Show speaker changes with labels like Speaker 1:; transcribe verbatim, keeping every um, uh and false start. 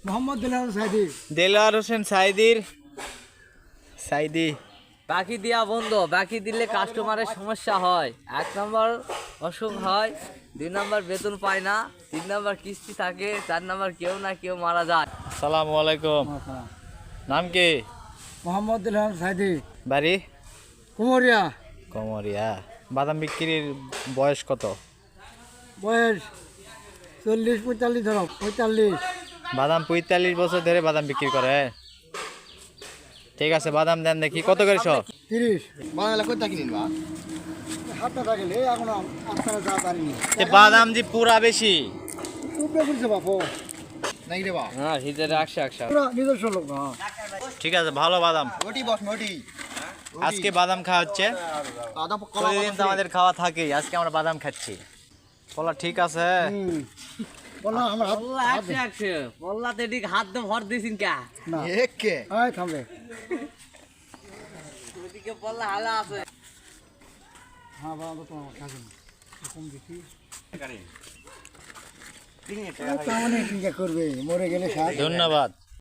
Speaker 1: মোহাম্মদ দেলোয়ার সাইদি।
Speaker 2: দেলোয়ার হোসেন সাইদির সাইদি।
Speaker 3: বাকি দেওয়া বন্ধ, বাকি দিলে কাস্টমারের সমস্যা হয়। এক নম্বর অসুখ হয়, দুই নম্বর বেতন পায় না, তিন নম্বর কিস্তি থাকে, চার নম্বর কেউ না কেউ মারা যায়।
Speaker 2: সালামু আলাইকুম। নাম কি?
Speaker 1: মোহাম্মদ দেলোয়ার সাইদি,
Speaker 2: বাড়ি?
Speaker 1: কুমরিয়া।
Speaker 2: কমরিয়া। বাদাম বিক্রির বয়স কত?
Speaker 1: বয়স চল্লিশ পঁয়তাল্লিশ ধরো, পঁয়তাল্লিশ।
Speaker 2: বাদাম পঁয়তাল্লিশ বছর ধরে বাদাম বিক্রি করে। ঠিক আছে, বাদাম দেন দেখি কত করে সব?
Speaker 1: তিরিশ।
Speaker 4: বাংলা কই থাকি নিবা
Speaker 1: হাতটা থাকলে এখন আপনারা যা পারিনি।
Speaker 2: বাদাম যে পুরা বেশি।
Speaker 1: উপরে বলছে বাপু,
Speaker 4: নাই রে বা
Speaker 3: হ্যাঁ, হিজের একশো একশো।
Speaker 1: পুরা নিজস্ব লোক না।
Speaker 2: ঠিক আছে, ভালো বাদাম।
Speaker 4: ওটি বস মোটি
Speaker 2: আজকে বাদাম খাওয়া হচ্ছে।
Speaker 4: আদা কলা
Speaker 2: প্রতিদিন তো আমাদের খাওয়া থাকেই, আজকে আমরা বাদাম খাচ্ছি। বলা ঠিক আছে।
Speaker 1: হুম। বলো আমার হাত
Speaker 3: পল্লা একশো একশো, পল্লাতে ঠিক হাত দিয়ে ভর দিয়েছেন কা?
Speaker 1: না।
Speaker 4: একে
Speaker 1: আয় থামবে।
Speaker 3: ওদিকে পল্লা হালা আছে।
Speaker 1: হ্যাঁ বাবা তোমার কাছে কম দেখি। তার মানে কি করবে, মরে গেলে সার।
Speaker 2: ধন্যবাদ।